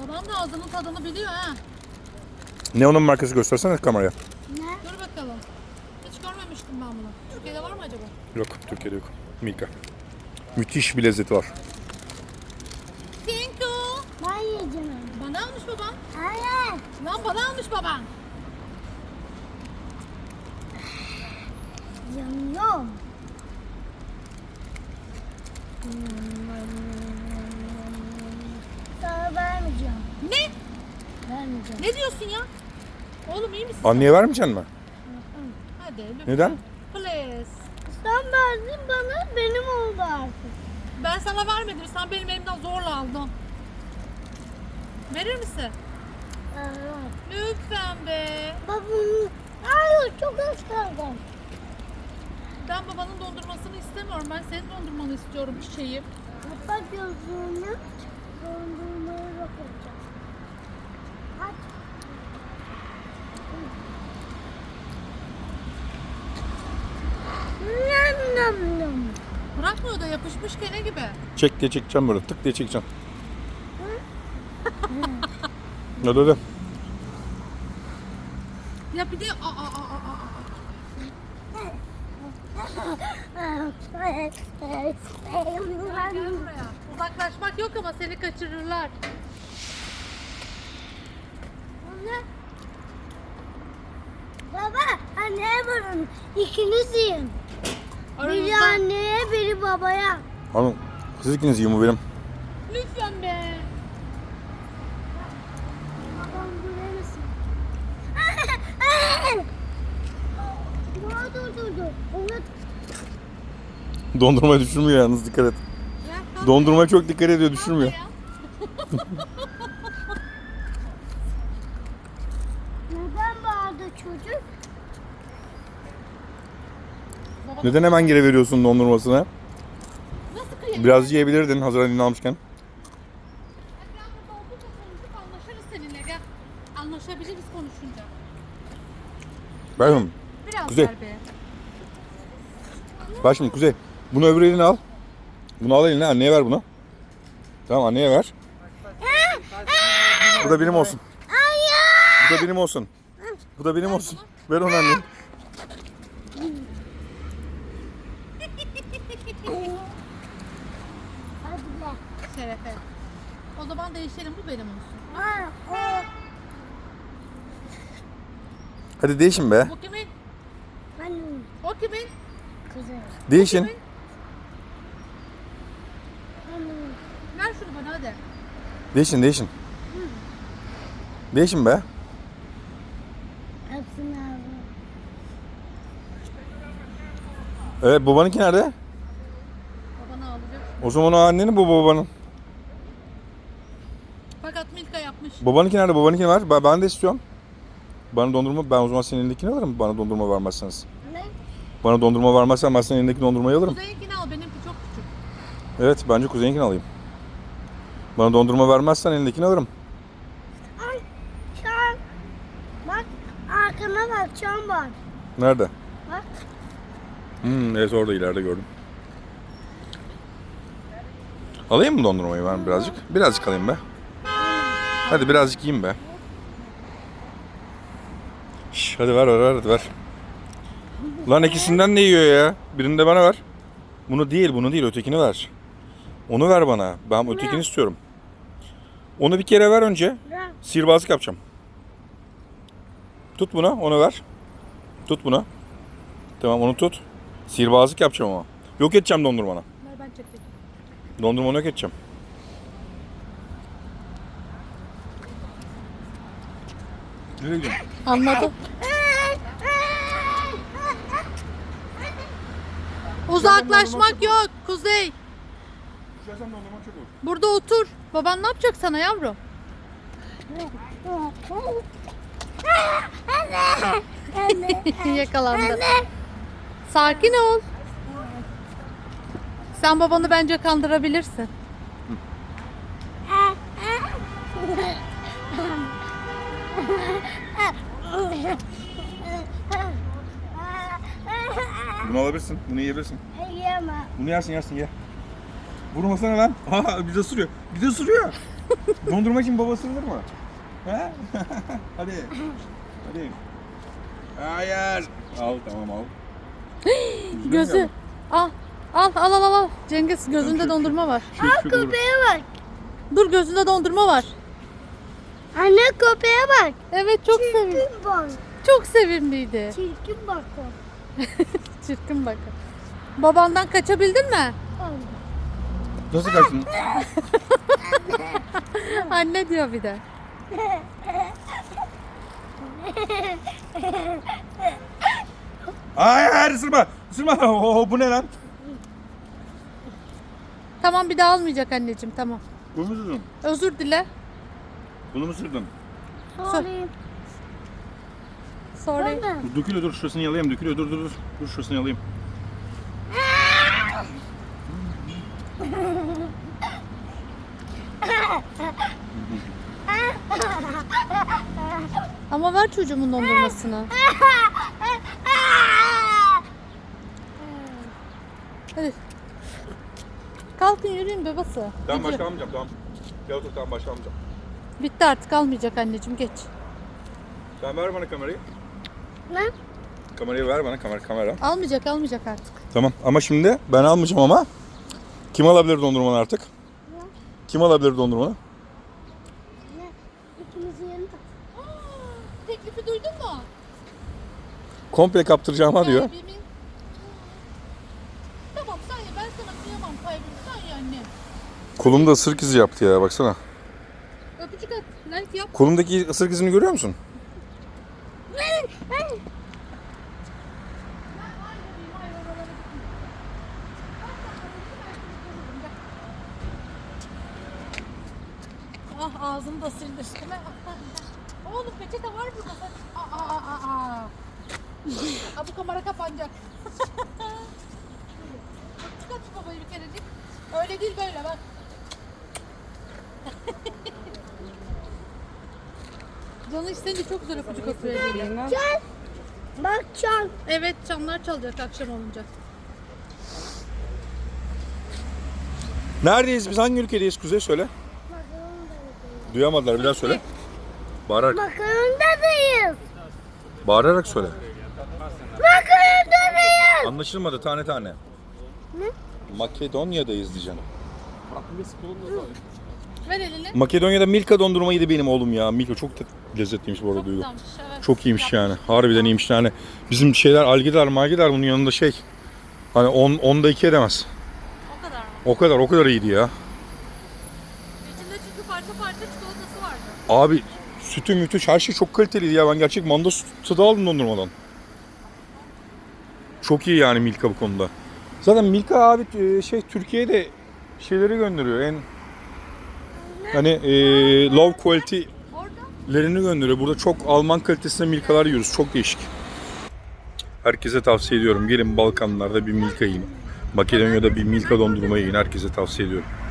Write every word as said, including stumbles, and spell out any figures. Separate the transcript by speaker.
Speaker 1: Babam da ağzının tadını biliyor ha.
Speaker 2: Ne onun markası, göstersene kameraya.
Speaker 3: Ne?
Speaker 1: Dur bakalım. Hiç görmemiştim ben bunu. Türkiye'de var mı acaba?
Speaker 2: Yok, Türkiye'de yok. Milka. Müthiş bir lezzeti var.
Speaker 1: Thank you.
Speaker 3: Ben yiyeceğim.
Speaker 1: Bana almış baban.
Speaker 3: Hayır.
Speaker 1: Lan bana almış baban.
Speaker 3: Yanıyorum. Sana vermeyeceğim.
Speaker 1: Ne?
Speaker 3: Vermeyeceğim.
Speaker 1: Ne diyorsun ya? Oğlum iyi misin?
Speaker 2: Anneye vermeyeceksin mi?
Speaker 1: Hadi lütfen.
Speaker 2: Neden?
Speaker 1: Please.
Speaker 3: Sen verdin bana, benim oldu artık.
Speaker 1: Ben sana vermedim. Sen benim elimden zorla aldın. Verir misin?
Speaker 3: Evet.
Speaker 1: Lütfen be.
Speaker 3: Babam, hayır çok az kaldı.
Speaker 1: Ben babanın dondurmasını istemiyorum. Ben senin dondurmanı istiyorum çiçeğim.
Speaker 3: Kapat gözünü, dondurmayı yok edeceğim. Aç. Nam nam nam.
Speaker 1: Bırakmıyor da yapışmış kene gibi.
Speaker 2: Çek diye çekeceğim böyle. Tık diye çekeceğim. Hadi hadi.
Speaker 1: Ya bir de aa aa aa aa. aa. Gel buraya. Uzaklaşmak yok ama seni kaçırırlar.
Speaker 3: Anne. Baba, anneye varın. İkiniz yiyin. Biri
Speaker 1: Aramızda.
Speaker 3: anneye, biri babaya.
Speaker 2: Hanım, siz ikiniz yiyin, bu benim.
Speaker 1: Lütfen be.
Speaker 3: Babam buraya mısın? Dur dur dur dur. Onu
Speaker 2: Dondurmayı düşürmüyor yalnız, dikkat et.
Speaker 1: Ya, kalk
Speaker 2: Dondurmaya çok dikkat ediyor, düşürmüyor.
Speaker 1: ya.
Speaker 3: neden bağırdı çocuk?
Speaker 1: Baba,
Speaker 2: Neden hemen geri veriyorsun dondurmasını?
Speaker 1: nasıl kıyım?
Speaker 2: Biraz yiyebilirdin hazır elini almışken.
Speaker 1: Gel burada oldukça konuşup anlaşırız seninle. Gel. Anlaşabiliriz konuşunca.
Speaker 2: Bakın,
Speaker 1: Biraz
Speaker 2: Kuzey.
Speaker 1: ver be.
Speaker 2: bak şimdi Kuzey. Bunu öbür eline al. Bunu al eline, anneye ver bunu. Tamam, anneye ver. Bu da benim olsun. Bu da benim olsun. Bu da benim olsun. Ver onu anneye.
Speaker 3: Hadi be.
Speaker 1: Şerefe. O zaman değişelim, bu benim olsun.
Speaker 3: Ha, o.
Speaker 2: Hadi değişin be.
Speaker 1: Bu kimin?
Speaker 3: Benim
Speaker 1: O kimin?
Speaker 3: kızım.
Speaker 2: Değişin.
Speaker 1: Kimin?
Speaker 3: Benim.
Speaker 1: Ver şunu bana hadi.
Speaker 2: Değişin, değişin. Değişin be.
Speaker 3: Hepsini aldım.
Speaker 2: Evet, babanınki nerede?
Speaker 1: Babana alacak.
Speaker 2: O zaman o annenin, bu babanın.
Speaker 1: Fakat Milka yapmış.
Speaker 2: Babanınki nerede? Babanınkini ver. Ben, ben de istiyorum. Bana dondurma, ben o zaman senin elindekini alırım. Bana dondurma vermezseniz.
Speaker 3: Ne?
Speaker 2: Bana dondurma vermezsen ben senin elindeki dondurmayı alırım.
Speaker 1: Kuzeyinkini al, benimki çok küçük.
Speaker 2: Evet, bence Kuzey'inkini alayım. Bana dondurma vermezsen elindekini alırım.
Speaker 3: Ay, çan. Bak, arkana bak, çan var.
Speaker 2: Nerede?
Speaker 3: Bak.
Speaker 2: Hmm, evet, orada ileride gördüm. Alayım mı dondurmayı ben birazcık? Birazcık alayım be. Hadi birazcık yiyeyim be. Şş, hadi ver ver ver hadi ver. Lan ikisinden ne yiyor ya? Birini de bana ver. Bunu değil, bunu değil, ötekini ver. Onu ver bana. Ben ötekini istiyorum. Onu bir kere ver önce.
Speaker 3: Bırak.
Speaker 2: Sihirbazlık yapacağım. Tut bunu, onu ver. Tut bunu. Tamam, onu tut. Sihirbazlık yapacağım ama. Yok edeceğim dondurmanı.
Speaker 1: Ver ben çekeyim.
Speaker 2: Dondurmanı yok edeceğim. Nereye gidiyorsun?
Speaker 1: Anladım. Uzaklaşmak yok Kuzey.
Speaker 2: Düşersen dondurman çok olur.
Speaker 1: Burada otur. Baban ne yapacak sana yavrum? Yakalandı. Sakin ol. Sen babanı bence kandırabilirsin.
Speaker 2: Bunu alabilirsin, bunu yiyebilirsin.
Speaker 3: Yiyemem.
Speaker 2: Bunu yersin yersin ye. Vurmasana lan. Aa, bir de sürüyor. Bir de sürüyor. Dondurma için babası olur mu? He? Hadi. Hadi. Hayır. Al tamam al.
Speaker 1: Gözü. Al. Al al al al. Cengiz gözünde dondurma var.
Speaker 3: Aa köpeğe bak.
Speaker 1: Dur gözünde dondurma var.
Speaker 3: Anne köpeğe bak.
Speaker 1: Evet çok sevimli.
Speaker 3: Çirkin bak.
Speaker 1: Çok sevimliydi.
Speaker 3: Çirkin bak o.
Speaker 1: Çirkin bakın. Babandan kaçabildin mi?
Speaker 2: Nasıl kaçtın?
Speaker 1: Anne diyor bir de.
Speaker 2: Hayır ısırma. Isırma. Oo, bu ne lan?
Speaker 1: Tamam bir daha almayacak anneciğim tamam.
Speaker 2: Bunu mu ısırdın?
Speaker 1: Özür dile.
Speaker 2: Bunu mu ısırdın?
Speaker 3: Sorry.
Speaker 1: Sorry.
Speaker 3: Ben de.
Speaker 2: Dur, dökülüyor dur şurasını yalayayım dökülüyor dur dur dur. Dur şurasını yalayayım.
Speaker 1: Ama ver çocuğumun dondurmasını. Hadi. Kalkın yürüyün babası.
Speaker 2: Tamam
Speaker 1: Gidiyor.
Speaker 2: başka almayacağım tamam. Gel otur tamam başka almayacağım.
Speaker 1: Bitti artık almayacak anneciğim geç.
Speaker 2: Sen ver bana kamerayı.
Speaker 3: Ne?
Speaker 2: Kamerayı ver bana kamera kamera.
Speaker 1: Almayacak almayacak artık.
Speaker 2: Tamam ama şimdi ben almayacağım ama kim alabilir dondurmanı artık? Kim alabilir dondurmanı?
Speaker 3: Ne? İkimizin yanında.
Speaker 1: Teklifi duydun mu?
Speaker 2: Komple kaptıracağıma diyor.
Speaker 1: Kalbimin- Tamam sen ye ben sana kıyamam kalbimi sen ye anne.
Speaker 2: Kolumda ısırık izi yaptı ya baksana.
Speaker 1: Öpücük at. Like yap.
Speaker 2: Kolumdaki ısırık izini görüyor musun?
Speaker 1: Ah ağzını da sildi üstüme. Oğlum peçete var burada. Sen... Aa, aa, aa, aa. Aa, bu kamera kapanacak. Çıkart şu babayı bir kerecik. Öyle değil böyle bak. Canı isteyince çok güzel öpücük atıyor eliyle.
Speaker 3: Gel. Bak çan.
Speaker 1: Evet çanlar çalacak akşam olunca.
Speaker 2: Neredeyiz biz? Hangi ülkedeyiz Kuzey söyle. Duyamadılar bir daha söyle. Bağırarak.
Speaker 3: Makarondadayız.
Speaker 2: Bağırarak söyle.
Speaker 3: Makarondadayız.
Speaker 2: Anlaşılmadı tane tane.
Speaker 3: Ne?
Speaker 2: Makedonya'dayız diyeceğim.
Speaker 1: Ver elini.
Speaker 2: Makedonya'da Milka dondurma yedi benim oğlum ya. Milka çok da lezzetliymiş bu arada Duygu.
Speaker 1: Güzelmiş, evet.
Speaker 2: Çok iyiymiş yani. Harbiden iyiymiş yani. Bizim şeyler algidar malgidar bunun yanında şey. Hani on, onda iki edemez.
Speaker 1: O kadar mı?
Speaker 2: O kadar o kadar iyiydi ya.
Speaker 1: İçinde çünkü parça parça çikolatası vardı.
Speaker 2: Abi sütü mütü her şey çok kaliteliydi ya. Ben gerçek manda sütü aldım dondurmadan. Çok iyi yani Milka bu konuda. Zaten Milka abi e, şey Türkiye'de şeyleri gönderiyor. En hani e, low quality
Speaker 1: Orada.
Speaker 2: lerini gönderiyor. Burada çok Alman kalitesinde Milka'lar yiyoruz. Çok değişik. Herkese tavsiye ediyorum. Gelin Balkanlarda bir Milka yiyin. Makedonya'da bir Milka dondurma yiyin. Herkese tavsiye ediyorum.